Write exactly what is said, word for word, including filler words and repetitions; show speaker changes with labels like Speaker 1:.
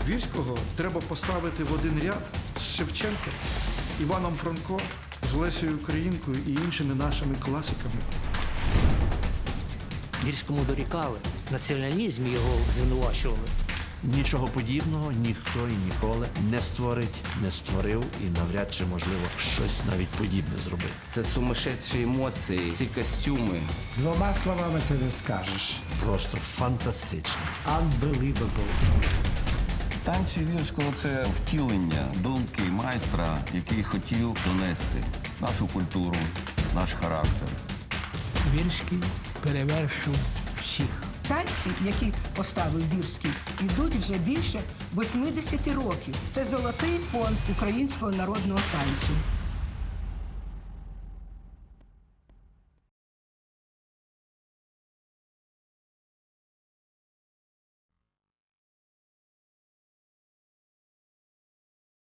Speaker 1: Вірського треба поставити в один ряд з Шевченком, Іваном Франко, з Лесею Українкою і іншими нашими класиками.
Speaker 2: Вірському дорікали, в націоналізмі його звинувачували.
Speaker 3: Нічого подібного ніхто і ніколи не створить, не створив і навряд чи, можливо, щось навіть подібне зробити.
Speaker 4: Це сумасшедші емоції, ці костюми.
Speaker 5: Двома словами це не скажеш.
Speaker 3: Просто фантастично.
Speaker 2: Unbelievable.
Speaker 6: Танці Вірського – це втілення думки майстра, який хотів донести нашу культуру, наш характер.
Speaker 2: Вірський перевершив всіх.
Speaker 7: Танці, які поставив Вірський, йдуть вже більше восьмидесяти років. Це золотий фонд українського народного танцю.